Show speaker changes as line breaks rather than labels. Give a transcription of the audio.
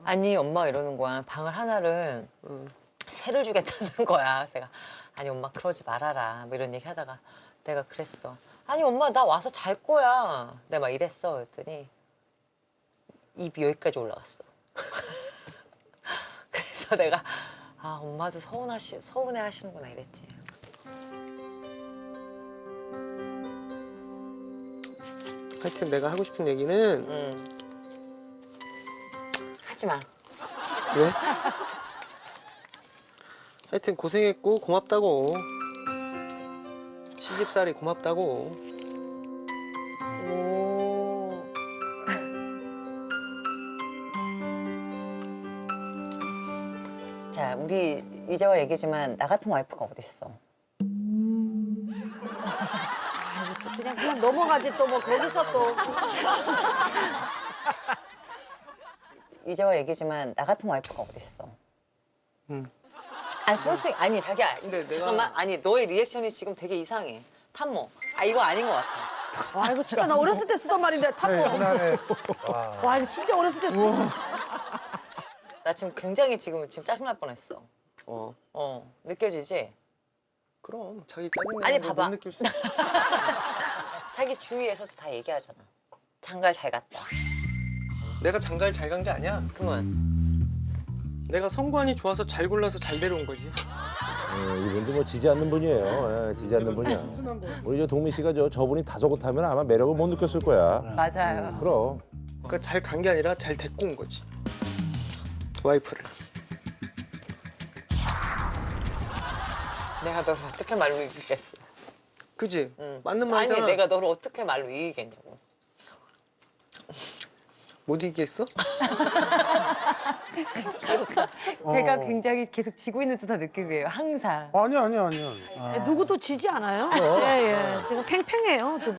아니 엄마가 이러는 거야. 방을 하나를 새를 주겠다는 거야. 그래서 내가 아니 엄마 그러지 말아라. 뭐 이런 얘기 하다가 내가 그랬어. 아니 엄마 나 와서 잘 거야. 내가 막 이랬어. 그랬더니 입이 여기까지 올라갔어. 그래서 내가 아 엄마도 서운해 하시는구나 이랬지.
하여튼 내가 하고 싶은 얘기는
하지 마.
왜? 하여튼 고생했고 고맙다고. 시집살이 고맙다고.
오. 자, 우리 이제와 얘기지만 나 같은 와이프가 어딨어?
그냥 넘어가지 또 뭐 거기서 또.
이제와 얘기지만 나 같은 와이프가 어딨어?
응.
아니 솔직히 아니 자기야
근데 내가-
잠깐만 아니 너의 리액션이 지금 되게 이상해. 탐모. 아 이거 아닌 것 같아.
와 이거 진짜 나 어렸을 때 쓰던 말인데 탐모.
옛날에
와 이거 진짜 어렸을 때 쓰던.
나 지금 굉장히 지금 짜증날 뻔했어.
어.
느껴지지?
그럼 자기
아니,
짜증내는 거
봐봐.
못 느낄 수 있어.
자기 주위에서도 다 얘기하잖아. 장가를 잘 갔다.
내가 장가를 잘 간 게 아니야.
그러면
내가 성관이 좋아서 잘 골라서 잘 데려온 거지.
이분도 뭐 지지 않는 분이에요. 예, 지지 않는 분이야. 우리 저 동민 씨가 저분이 다소곳하면 아마 매력을 못 느꼈을 거야.
맞아요.
그럼.
그러니까 잘 간 게 아니라 잘 데리고 온 거지. 와이프를.
내가 너를 어떻게 말로 이기겠어?
그지?
응.
맞는 말이잖아.
아니 내가 너를 어떻게 말로 이기겠냐고.
못 이기겠어?
제가 굉장히 계속 지고 있는 듯한 느낌이에요. 항상.
아니야.
누구도 지지 않아요?
어.
예예. 지금 팽팽해요. 두